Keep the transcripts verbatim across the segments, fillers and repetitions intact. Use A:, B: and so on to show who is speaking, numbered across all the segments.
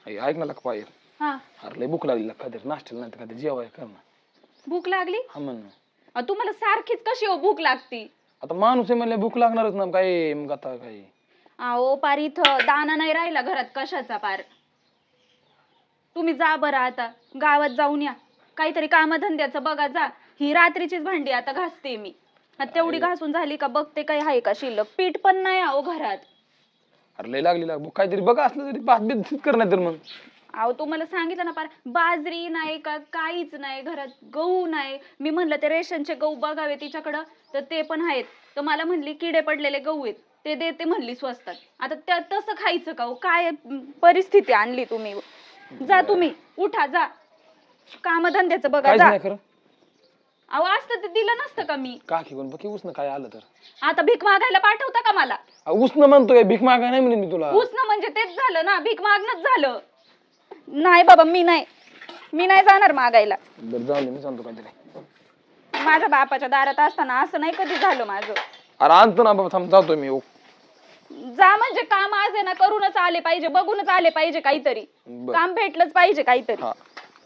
A: ऐक ना लका पाहिजे.
B: हा
A: अरे लय भूक लागली लका काहीतरी नाश्त्याला नाही तर काहीतरी जेवाय कर ना.
B: भूक लागली?
A: हा म्हण ना.
B: अ, तुम्हाला सारखीच कशी हो भूक लागती?
A: आता माणूस आहे म्हणले भूक लागणारच ना काय मग आता काय.
B: अहो पार इथं दाना नाही राहिला घरात कशाचा पार. तुम्ही जा बरं आता गावात जाऊन या काहीतरी कामधंद्याचं बघा जा. ही रात्रीचीच भांडी आता घासते मी. आता तेवढी घासून झाली का बघते काय आहे का शिल्लक. पीठ पण नाही अहो घरात.
A: अरे लय लागली लाग भूक काहीतरी बघा असलं तरी भात बीत कर नाही तर मग.
B: अहो तुम्हाला सांगितलं ना पार बाजरी नाही का काहीच नाही घरात. गहू नाही. मी म्हणलं ते रेशनचे गहू बघावे तिच्याकडं तर ते पण आहेत. तर मला म्हणली किडे पडलेले गहू आहेत ते देते म्हणली स्वस्तात. आता त्या तसं खायचं का हो? काय परिस्थिती आणली तुम्ही. जा तुम्ही उठा जा कामधंद्याचं बघा
A: काहीच
B: जा.
A: नाही खरं.
B: अहो असतं ते दिलं नसतं का मी.
A: काकी पण बघ उसन काय आलं तर.
B: आता भीक मागायला पाठवता का मला?
A: उसन म्हणतोय भीक मागा नाही म्हणेन मी तुला.
B: उसनं म्हणजे तेच झालं ना भीक मागणंच झालं. नाही बाबा मी नाही मी नाही जाणार मागायला.
A: बरं जाऊ दे मी सांगतो काहीतरी.
B: माझ्या बापाच्या दारात असताना असं नाही कधी झालं माझं.
A: अरे आणतो ना बाबा थांब जातोय मी.
B: जा म्हणजे काम आज आहे ना करूनच आले पाहिजे बघूनच आले पाहिजे काहीतरी.
A: बरं.
B: काम भेटलंच पाहिजे काहीतरी.
A: हा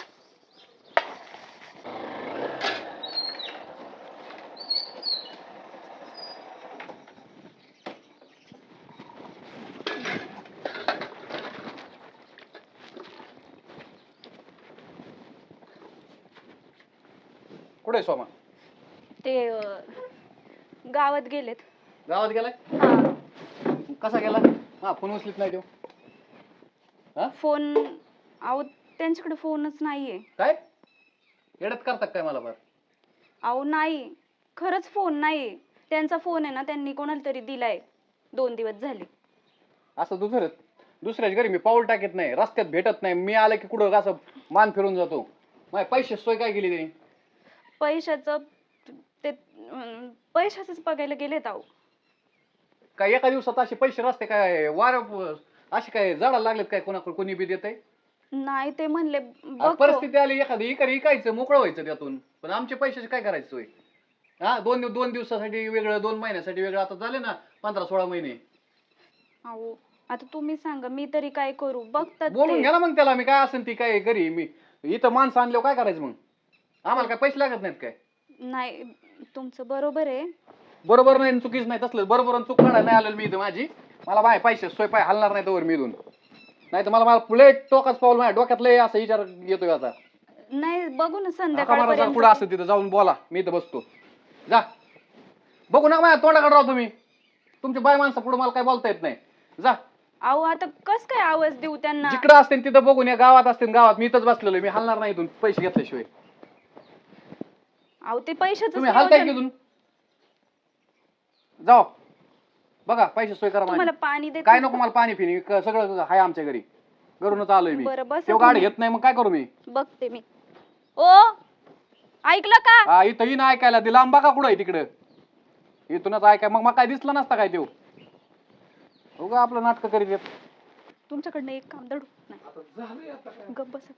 C: कुठे सोमा?
B: ते अं, गावात गेलेत.
C: गावात गेलाय?
B: हा
C: कसा गेला? हा फोन उचलीत नाही तो. हा
B: फोन अहो त्यांच्याकडे फोनच नाहीये.
C: काय येडत करतात काय मला बरं?
B: अहो नाही खरंच फोन नाही. त्यांचा फोन आहे ना त्यांनी कोणाला तरी दिलाय दोन दिवस झाले.
C: असं दुसरं दुसऱ्याच्या घरी मी पाऊल टाकत नाही रस्त्यात भेटत नाही. मी आलं की कुठं असं मान फिरून जातो. माझे पैसे सोय काय केली त्यांनी?
B: पैशाचं ते अं, पैशाचंच बघायला गेलेत अहो.
C: काय एका दिवसात असे पैसे रस्ते काय वार असे काय झाडाला लागलेत काय कोणाकडे कोणी बी देत
B: नाही ते म्हणले बघतो.
C: परिस्थिती आली एखादी इकडे इकायचं मोकळं व्हायचं त्यातून. पण आमचे पैशाचे काय करायचं सोय? हा दोन दिव- दोन दिवसासाठी वेगळं दोन महिन्यासाठी वेगळं आता झाले ना पंधरा सोळा महिने.
B: अहो आता तुम्ही सांगा मी तरी काय करू. बघतात
C: बोलून
B: ते.
C: घ्या ना मग त्याला. मी काय असेल ती काय घरी मी इथं माणसं आणल्यावर काय करायचं मग? आम्हाला काय पैसे लागत नाहीत काय?
B: नाही तुमचं बरोबर आहे.
C: बरोबर नाही चुकीच नाही तसलं बरोबर आणि चूक काढायला नाही आलेलं मी इथं माझी. मला बाय पैसे सोय पाय हलणार नाही तोवर मी इथून. नाही तर मला मला पुढे टोकाच पाऊल माझ्या डोक्यात लय असं विचार येतोय आता.
B: नाही बघू ना
C: हाका मारा
B: संध्याकाळपर्यंत.
C: पुढे असं तिथं जाऊन बोला. मी इथं बसतो. जा बघू ना माझ्या तोंडाकडे राहतो तुम्ही. तुमच्या बाय माणसं पुढे मला काय बोलता येत नाही. जा
B: अहो आता कस काय आवाज देऊ त्यांना.
C: जिकडं असते तिथं बघून या गावात असते गावात मी इथंच बसलेलो. मी हलणार नाही इथून पैसे घेतल्याशिवाय.
B: अहो ते पैशाचं
C: तुम्ही हलताय की इथून? जाओ बघा पैसे सोय करा
B: तुम्हाला
C: माझी.
B: पाणी देते.
C: काय नको मला पाणी पिणी क- सगळं आहे आमच्या घरी. घरूनच आलोय मी.
B: बरं, बसा
C: तेव्हा गाडी
B: तुम्ही.
C: घेत नाही मग काय करू मी?
B: बघते मी. ओ ऐकलं का?
C: हा इथं ही नाही ऐकायला दिला आंबा का कुठं आहे तिकडं? इथूनच ऐकाय मग मग काय दिसलं नसता काय तेव उगा आपलं नाटक करीत येत.
B: तुमच्याकडनं एक काम दडू नाही. गप्प बसा.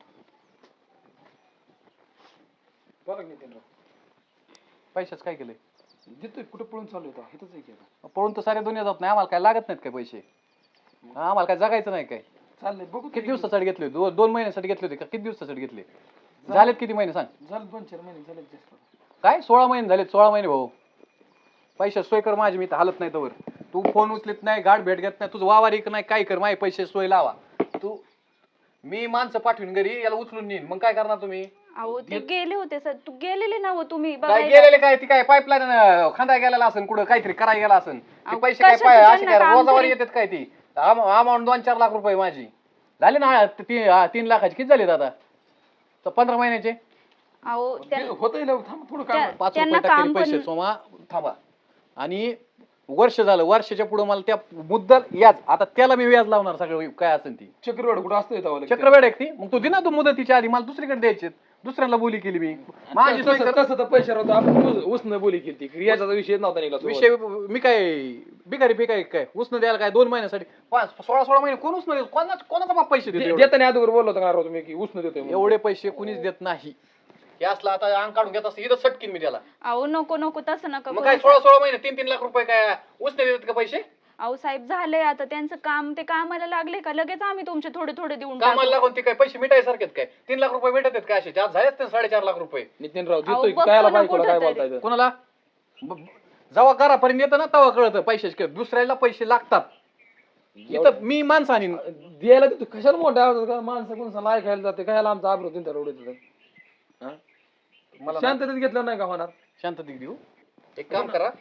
A: बघा नितीन राव.
C: पैशाच काय केलंय?
A: देतोय कुठं पळून चालू होता इथंच आहे की आता.
C: पळून तर सारे दुनिया जात नाही. आम्हाला काय लागत नाहीत काय पैसे? आम्हाला काय जगायचं नाही काय?
A: चाललंय बघू
C: किती दिवसासाठी घेतले होते? दो- दोन महिन्यासाठी घेतले होते का किती दिवसासाठी घेतले? झालेत किती महिने सांग?
A: झालं दोन चार महिने झाले जास्त.
C: काय सोळा महिने झाले? सोळा महिने भाऊ. पैसे सोय कर माझी. मी तर हालत नाही तवर. तू फोन उचलीत नाही गाठ भेट घेत नाही तुझं वावर एक नाही काय कर माझे पैसे सोय लावा. तू मी माणसं पाठवून घरी याला उचलून नेईन मग काय करणार तुम्ही?
B: अहो ते गेले होते सर. तू गेलेले ना हो तुम्ही
C: काय
B: बघायला.
C: गेलेले काय ती काय पाईपलाईन खांदा गेलेला असेल कुठं काहीतरी करायला गेला असेल. ते
B: अहो,
C: पैसे काय
B: कशाचं
C: पाय असे
B: त्यांना
C: काय
B: काम
C: रोजावर
B: तरी?
C: येतात काय ती अमाऊंट दोन चार लाख रुपये माझी झाले ना. ती हा, तीन लाखाची किती झाले दादा? तर पंधरा महिन्याचे
B: अहो त्या-
A: होतंय लव थांब थोडं काम.
B: त्या-
C: पाच
B: त्यांना
C: रुपये टाकले
B: काम
C: पैसे
B: पण
C: सोमा थांबा. आणि वर्ष झालं वर्षाच्या पुढे मला त्या मुद्दल व्याज आता त्याला मी व्याज लावणार सगळं काय असेल ती.
A: चक्रवाढ कुठं असतोय तेव्हा लगेच.
C: चक्रवेड आहे ती मग तू दिना तू मुदतीच्या आधी मला दुसरीकडे द्यायचे. दुसऱ्याला बोली केली मी माझी सोय
A: तसं
C: कर.
A: तसं तर पैसे होतं आपण उसनं बोली केली याचा विषय नव्हता निघाला सोबत.
C: विषय मी काय बिगारी बिगारी काय उसनं द्यायला काय दोन महिन्यासाठी पाच सोळा सोळा महिने कोण उसनं देत? कोणाच कोणाचा बाप पैसे देतो
A: दे-
C: एवढे?
A: देताना अगोदर बोललो होता का राव तुम्ही की उसनं देतोय म्हणून.
C: एवढे पैसे कुणीच देत नाही. हे असलं आता अंग काढून घेत असतं इथं सटकीन मी त्याला.
B: अहो नको नको तसं नका
C: मग
B: करू.
C: काय सोळा सोळा महिने तीन तीन लाख रुपये काय उसने देतात का पैसे?
B: अहो साहेब झालंय आता त्यांचं काम, ते कामाला लागले का लगेच आम्ही तुमचे थोडे थोडे देऊन
C: कामाला
B: टाकू.
C: लागून ते काय पैसे मिटायसारखेत काय? तीन लाख रुपये भेटत आहेत काय असे? आज झालेच ते साडेचार लाख रुपये.
A: नितीनराव
B: अहो,
A: देतोय
B: बघतो
A: कायला
B: ना
A: बायकोला काय
B: कुठं
A: बोलताय
C: कोणाला ब- जेव्हा घरापर्यंत येतं ना तेव्हा कळतं पैशाचे दुसऱ्याला पैसे लागतात. इथं मी माणसं आणि
A: द्यायला देतो कशाला मोठ्या आवाजात का माणसं कोणसा ऐकायला जाते कायला आमचा आब्रो तीन रोड
C: मला
A: शांततेत घेतलं नाही का होणार.
C: शांततेत देऊ. एक काम करा,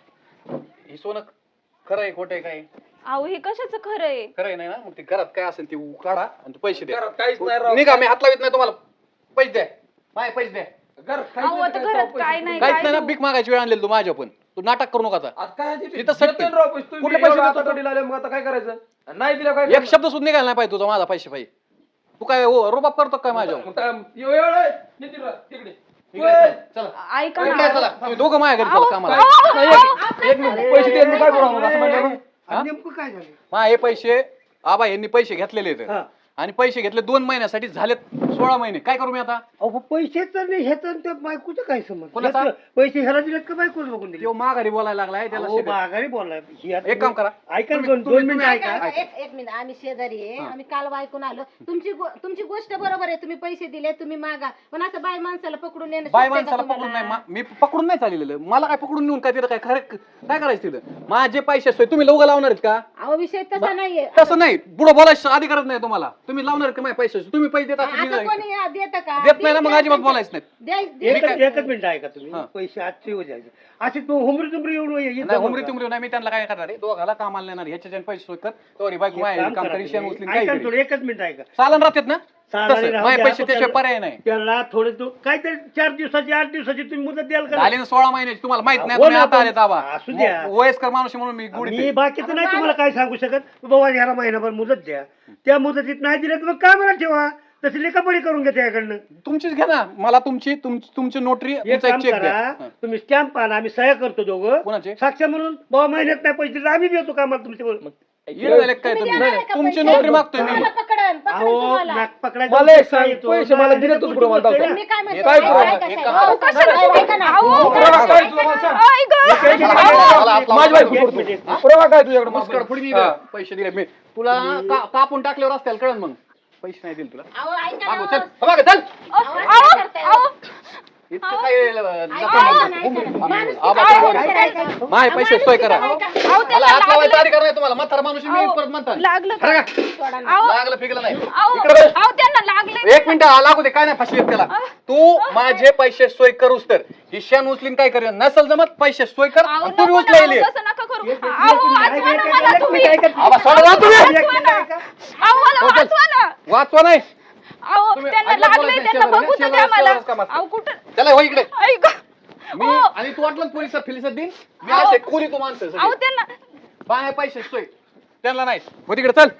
C: हे सोनं खरं आहे खोटं आहे काय?
B: अहो हे कशाचं खरं आहे?
C: खरं आहे नाही ना? मग ते घरात काय असेल ते काढा आणि ते पैसे द्या.
A: घरात काहीच नाही राव.
C: निघा, मी हात लावित नाही तुम्हाला. पैसे द्या, माझे पैसे द्या.
A: घरात
B: अहो,
A: काहीच
B: आता
A: नाही,
B: घरात
A: काय
B: काय नाही,
C: काहीच
B: काय
C: नाही ना.
B: देऊ?
C: भीक मागायची वेळ आणलेली तू माझ्या पण. तू नाटक करू नका आता.
A: आता काय आहे ते?
C: इथं सत्य.
A: देतोय राव पैसे तुम्ही.
C: कुठले पैसे
A: एवढं
C: देतो?
A: आता तोडीला आले, मग आता काय करायचं? नाही दिलं काय
C: एक शब्द सुद्धा निघाला नाही पाहिजे तुझा माझा पैसे पाहिजे. तू काय हो रुबाब करतो काय माझ्यावर?
A: मग काय- एव- एवढं आहे. नितीनराव, तिकडे
C: इकडे चला, चला.
B: ऐका
C: इकडे
B: ना.
C: चला. तुम्ही दोघं माझ्या घरी चला कामाला.
B: अहो,
A: नाही, एक- एक मिनिट पैसे देत मी काय करू आम्हाला असं म्हणलं ना?
C: हा?
D: नेमकं काय झालं?
C: मा हे पैसे आबा यांनी पैसे घेतलेले आहेत
D: हा.
C: आणि पैसे घेतले दोन महिन्यासाठी झालेत सोळा महिने. काय करू मी आता?
D: अहो पैसे तर नाही हे तर त्या बायकोचं काय संबंध?
C: कोणाचा?
D: हे तर पैसे ह्याला दिलेत का बायकोला बघून दिले?
C: तो माघारी बोलायला लागलाय त्याला
D: अहो,
C: शिकव.
D: माघारी बोललाय. ही आता
C: एक काम करा.
D: ऐका ना,
C: तुम्ही-
D: दोन
C: तुम्ही-
D: दोन मिनिटं
C: तुम्ही-
D: ऐका.
C: ऐका.
E: एक एक मिनिट, आम्ही शेजारी आहे,
C: हा.
E: आम्ही काल ऐकून आलो. तुमची गो- तुमची गोष्ट बरोबर आहे, तुम्ही पैसे दिले, तुम्ही मागा, पण असं बाय माणसाला पकडून नेणं
C: बाय
E: शक्य आहे का
C: माणसाला पकडून
E: तुम्हाला?
C: नाही मा- मी पकडून नाही चाललेलं. मला काय पकडून नेऊन काय तिथं काय खरं काय करायचं तिथं? माझे पैसे असतोय तुम्ही लोक लावणार आहेत का?
E: अहो विषय तसा नाहीये.
C: तसं नाही. पुढे बोलायचं अधिकारच नाही तुम्हाला. तुम्ही लावणार का माझे पैसे? तुम्ही पैसे देत असाल, मी
E: असं
C: नाही.
E: कोणी देतं का?
C: देत नाही ना, मग अजिबात बोलायचं नाही.
E: द्याय- द्याय-
D: एकच एकच मिनिट ऐका तुम्ही.
C: हा.
D: पैसे आजचे येऊ द्यायचे. असे तू हुमरी तुमरी येऊन ये- येत
C: नाही
D: जाऊ
C: हुमरी
D: नका.
C: तुमरी नाही. मी त्यांना काय करणार आहे दोघाला कामाला नेणार ह्याच्या पैसे सोय कर तो बाईक
D: एक
C: माझ्या
D: काम
C: काम
D: करा
C: करी शेण
D: तुम्ही.
C: उचलीन
D: ऐका
C: काय
D: ना
C: करीन.
D: थोडं, एकच मिनिट ऐका.
C: चालन राहतात ना
D: चालेल,
C: तसं
D: राहू
C: माझ्या
D: द्या.
C: पैसे
D: आपण
C: त्याशिवाय
D: त्याला-
C: पर्याय नाही.
D: त्याला थोडे तो काहीतरी चार दिवसाची आठ दिवसाची तुम्ही मुदत द्याल का?
C: झाले ना सोळा महिन्याची तुम्हाला माहित नाही
D: हो
C: तुम्ही
D: ना,
C: आता आले
D: पण
C: दाबा
D: असू द्या.
C: वयस्कर माणूस आहे म्हणून मी गुढी
D: मी बाकीचं नाही तुम्हाला काय सांगू शकत. बाबा ह्याला महिनाभर मुदत द्या. त्या मुदतीत नाही दिलं तर मग काय मला ठेवा. तशी लेखापडी करून घ्या त्याकडनं.
C: तुमचीच घ्या ना. मला तुमची तुम- तुमची नोटरी
D: एक
C: तुमचा
D: काम
C: एक चेक द्या.
D: करा,
C: हं.
D: तुम्ही स्टॅम्प आणा, आम्ही सह्या करतो दोघं.
C: कोणाचे?
D: साक्ष म्हणून बाबा महिन्यात नाही पैसे दिले, आम्ही देतो कामाला तुमच्या.
C: येणं झाले काय
E: तुम्ही
C: तुम्ही?
E: देणार आहे का
C: तुमची
E: पैसे?
C: नोकरी मागतोय मी.
E: तुम्हाला पकडन, पकडन
D: अहो
E: तुम्हाला.
D: नाक पकडायचं
A: मला एक
D: पैसा
A: सांग,
D: येतो.
A: पैसे मला दिले तूच पुढं मला दाखव.
E: मी काय म्हणते,
C: काय
E: ऐका,
C: करू?
E: ऐका,
C: एक
E: साहेब.
C: काम
E: अहो,
C: करा.
E: कशाला? ऐका ना.
D: अहो,
E: अहो,
A: पुरावा काय तुझा मला सांग.
B: ऐक गं.
D: एक मिनिट,
C: मला आपला-
A: माझी बायको
D: एक
A: करतो.
D: मिनिट.
A: पुरावा काय तुझ्याकडे
C: मुस्कड पुढे मी
A: हा.
C: पैसे दिले मी तुला का- कापून टाकल्यावर असतील कळण मग पैसे नाही दिले तुला.
E: अहो, ऐका
C: मागो,
E: ना.
C: चल हो, मागो, चल
E: अहो, असं काय करताय?
B: अहो,
C: इतकं काय
E: ऐका ना, ऐका ना. माणूस
C: आबा,
E: किती
C: आबा,
E: आहे? ऐका, ऐका.
C: माझे पैसे सोय करा.
B: अहो,
C: मला
B: त्याला
C: हात लावायचा
B: लागलं.
C: अधिकार नाही तुम्हाला. म्हातारा माणूस आहे, मी
B: अहो,
C: परत म्हणतात
B: लागलं का?
C: खरं का?
E: सोडा ना.
B: अहो,
C: लागलं फिगलं नाही.
B: अहो,
C: इकडे बघ.
B: अहो, त्यांना लागले.
C: एक मिनिट हा, लागू दे काय नाही फाशी येत त्याला. तू माझे पैसे सोय करूस तर ही शेण उचलीन काय करेन नसल जमत पैसे सोय कर
B: अहो,
C: आणि तुम्ही
B: नको ना,
C: उचलायले.
B: अहो, तसं नका करू.
D: एक- एक-
B: अहो,
D: एक मिनिट,
B: वाचवा
D: एक-
B: ना
D: एक-
B: मला
D: एक
B: तुम्ही.
D: मिनिट, ऐका.
C: आबा, सोडा ना तुम्ही.
D: एक मिनिट ऐका.
B: अहो, मला
C: हो, चल.
B: वाचवा ना.
C: वाचवा नाही
B: अहो,
C: तुम्ही
B: त्यांना
C: अजिबात
B: लागले,
C: बोलायचं
B: त्यांना
C: शेजारी,
B: बघू तर द्या
C: शेजारी
B: मला.
C: शेजारीच काम असतं.
B: अहो, कुठं
C: त्याला हो इकडे
B: ऐक.
C: मी
B: हो.
C: आणि तू वाटलं ना पोलिसात फिलिसात देईन मी
B: अहो.
C: असे कोणी तू माणसं
B: अहो,
C: सगळे.
B: त्यांना
C: बाय पैसे सोय त्यांना नाही हो तिकडे चल.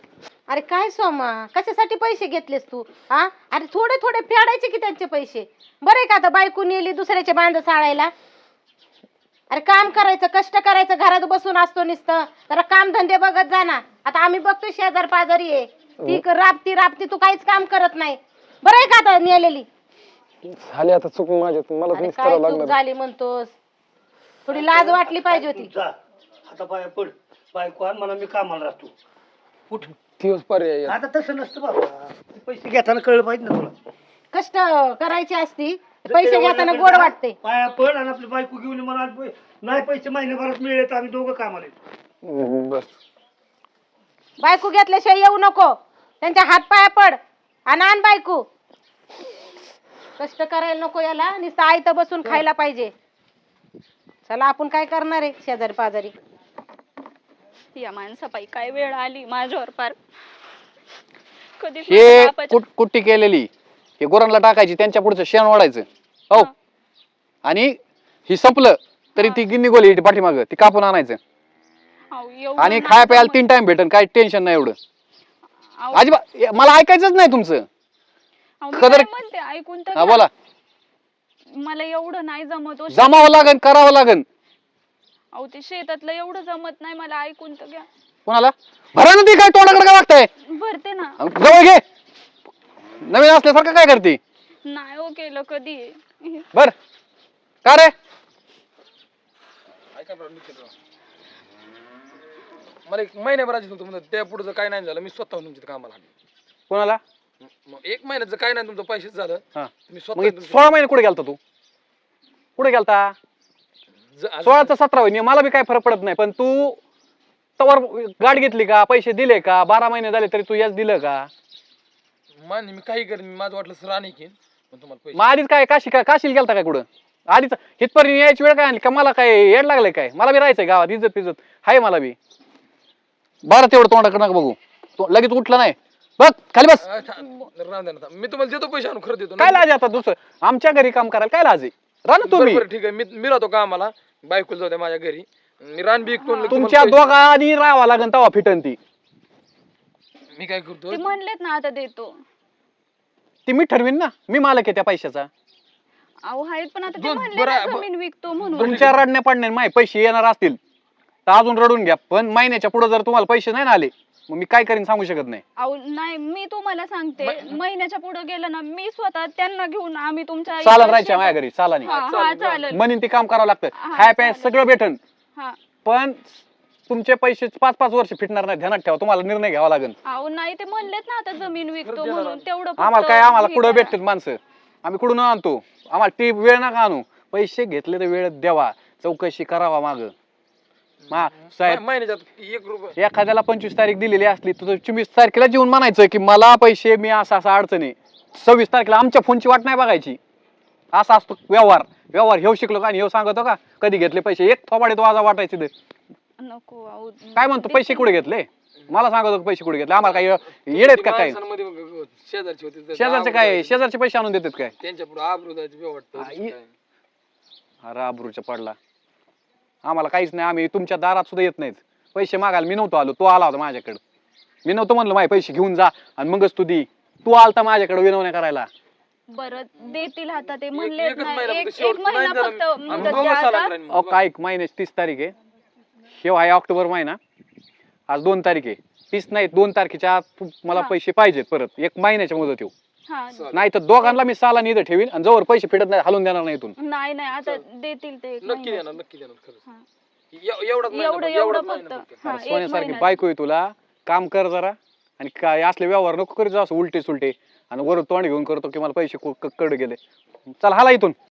E: अरे काय सोमा, कशासाठी पैसे घेतलेस तू? हा, अरे थोडे थोडे फेडायचे की त्यांचे पैसे. बरे का आता बायको नेली दुसऱ्याचे बांध साळायला. अरे काम करायचं, कष्ट करायचं, घरात बसून असतो नुसतं. जरा काम धंदे बघत जा ना. आता आम्ही बघतोय शेजार पाजारी आहे ती क- राबती राबती, तू काहीच काम करत नाही. बरं आहे का आता नेलेली?
A: झाले आता चूक माझ्या मला
E: अरे
A: तुम्हीच
E: काय
A: करावं
E: चूक
A: लागणार.
E: झाली म्हणतोस? थोडी लाज वाटली पाहिजे होती.
D: जा. आता पाया पड. बायको आण मला, मी कामाला राहतो. उठ.
A: दिवस पर्याय आहे.
D: आता तसं नसतं बाबा. पैसे घेताना कळलं पाहिजे ना तुला.
E: कष्ट करायची असती, पैसे घेताना गोड वाटते.
D: पाया पड आणि आपली बायको घेऊन ये. मला आज पै- नाही पैसे महिन्याभरात मिळले तर आम्ही दोघं कामाला येतो.
A: हम्म, बस
E: बायको घेतल्याशिवाय येऊ नको. त्यांच्या हात पाया पड आणि आण बायको. कष्ट करायला नको याला, नुसतं आयतं बसून खायला पाहिजे. चला आपण काय करणार आहे शेजारी पाजारी.
B: या माणसापायी काय वेळ आली माझ्यावर पार. कधीच
C: हे
B: माझ्या बापाच्या-
C: कुट- कुट्टी केलेली हे गोरांना टाकायची त्यांच्या पुढचं शेण ओढायचं हो
B: हा.
C: आणि ही संपलं तरी ती गिन्नी गोली पाठीमाग ती कापून आणायचं
B: अहो, एवढं
C: आणि
B: नाही
C: खाय प्यायला
B: जमत.
C: तीन टाइम भेटन काय टेन्शन नाही एवढं.
B: अहो,
C: अजिबात मला ऐकायचंच नाही तुमचं.
B: अहो, मी
C: खदर-
B: काय म्हणते ऐकून तर
C: हा
B: घ्या.
C: बोला.
B: मला एवढं नाही जमत हो.
C: जमावं लागन करावं लागन.
B: अहो ते शेतातलं एवढं जमत नाही मला, ऐकून तर घ्या.
C: कोणाला भरा ना ती काय तोंडाकडे काय वागताय
B: भरते ना.
C: जवळ घे. नवीन असल्यासारखं काय करते
B: नाही हो केलं कधी.
C: बर का रे
A: मला एक महिन्याभराची तुमचं म्हणत त्या पुढचं काय नाही झालं मी स्वतः तुमच्या कामाला आलो.
C: कोणाला
A: मग एक महिन्याचं काय नाही तुमचं पैसेच झालं
C: हा.
A: मी
C: मग हे
A: स्वतः
C: सोळा महिने कुठे गेलता तू कुठे गेलता
A: ज-
C: सोळाचा सतरा होईल मला बी काय फरक पडत नाही पण तू तवर गाडी घेतली का पैसे दिले का बारा महिने झाले तरी तू याच दिलं का
A: मान मी काही करेन मी माझं वाटलं सर आणि घेईन पण तुम्हाला पैसे
C: मग आधीच काय काशी काय काशीला गेलता काय कुठं आधीच हितपर्यंत यायची वेळ काय आणली का मला काय येड लागलंय काय मला बी राहायचंय गावात इज्जत पिज्जत हाय मला बी बरं तेवढं तोंडाकडे नका बघू तो लगेच उठला नाही बघ खाली बस
A: आ, था- राहून द्या ना था. मी तुम्हाला देतो पैसे आणून खरं देतो
C: काय लाज आता दुसरं आमच्या घरी काम करायला काय लाज आहे राह ना
A: बरं
C: तुम्ही
A: बरं ठीक आहे मी मी राहतो कामाला बायकोला जाऊ द्या माझ्या घरी मी रान बी विकतो आणि
C: तुमच्या
A: तुम्हाला
C: दोघांनी राहावं लागेल तेव्हा फिटन ती
A: पैसे- मी काय करतो
B: ते म्हणलेत ना आता देतो.
C: ती मी ठरवीन ना मी मालक आहे त्या पैशाचा
B: अहो आहेत पण आता ते
A: दोन-
B: म्हणले
A: बरं-
B: ना
A: बरं-
B: जमीन विकतो म्हणून.
C: तुमच्या रडण्या पडण्या माय पैसे येणार असतील तर अजून रडून घ्या पण महिन्याच्या पुढे जर तुम्हाला पैसे नाही ना आले मग मी काय करीन सांगू शकत नाही
B: अहो नाही मी तुम्हाला सांगते महिन्याच्या पुढे गेलं ना मी स्वतः त्यांना घेऊन आम्ही तुमच्या
C: चालन
B: इकडे
C: राहायच्या
B: शेतात-
C: माझ्या घरी चालानी
B: हा हा
A: चालेल,
B: चालेल.
C: म्हणून ते काम करावं लागतं
B: हा,
C: खाय प्याय
B: चालेल.
C: सगळं भेटन
B: हा
C: पण तुमचे पैसे पाच पाच वर्ष फिटणार नाही ध्यानात ठेवा तुम्हाला निर्णय घ्यावा लागेल
B: अहो नाही ते म्हणलेत ना आता जमीन विकतो
A: देणार
B: म्हणून तेवढं
C: आम्हाला
B: फक्त
C: काय आम्हाला
B: हे
C: कुठं
B: करा.
C: भेटतात माणसं आम्ही कुठून आणतो आम्हाला ती वेळ नका आणू पैसे घेतले तर वेळ द्यावा चौकशी करावा माग साहेब
A: महिन्याच्यात एक रुपये
C: एखाद्याला पंचवीस तारीख दिलेली असली तर चोवीस तारखेला जेवून म्हणायचं की मला पैसे मी असा असा अडचणी सव्वीस तारखेला आमच्या फोनची वाट नाही बघायची असा असतो व्यवहार व्यवहार हेव शिकलो का आणि हेव सांगतो का कधी घेतले पैसे एक थोबाडे तो आजा वाटायचे ते
B: नको अहो
C: काय म्हणतो पैसे कुठे घेतले मला सांगतो पैसे कुठे घेतले आम्हाला काय येडेत का काय
A: माणसांमध्ये मग शेजारची होती तर
C: शेजारचे काय शेजारचे पैसे आणून देतात काय
A: त्यांच्या पुढे आबरू द्यायचं बी वाटतं
C: आई.
A: दुसरं काय.
C: अरे आबरूच्या पडला आम्हाला काहीच नाही आम्ही तुमच्या दारात सुद्धा येत नाहीत पैसे मागायला मी नव्हतो आलो तो आला होता माझ्याकडे मी नव्हतं म्हणलं माझे पैसे घेऊन जा आणि मगच तू दी तू आलता माझ्याकडे विनवण्या करायला
B: बरं देतील आता ते
A: एक-
B: म्हणलेत
A: एकच
B: ना
A: महिना
B: एक
A: फक्त शेवट
B: एक महिना
A: नाही झालं.
B: फक्त
A: आम्ही
B: मुदत
A: दोघं
B: द्या
A: साला
B: आता.
A: राहीन.
C: अहो काय महिन्याची तीस तारीख आहे हे आहे ऑक्टोबर महिना आज दोन तारीख आहे तीस नाही दोन तारखेच्या आत तू- मला
B: हा.
C: पैसे पाहिजेत परत एक महिन्याच्या मुदत येऊ
B: हा
C: नाही तर दोघांना मी साला इथं ठेवीन आणि जवळ पैसे फिटत नाही हलून देणार नाही इथून
B: नाही नाही आता देतील ते एक
A: नक्की
B: महिन्यात.
A: देणार नक्की देणार खरंच
B: हा.
A: एव- एवढाच महिना
B: एवढं
A: फक्त,
B: एवढं
A: एवढाच
B: फक्त
A: महिना फक्त.
B: हा,
C: अरे
B: एक
C: सोन्यासारखी
B: महिन्यात.
C: बायको आहे तुला काम कर जरा आणि काय असले व्यवहार नको करीत जा असं उलटे सुलटे आणि वर तोंड घेऊन करतो की मला पैसे कड गेले चल हाला इथून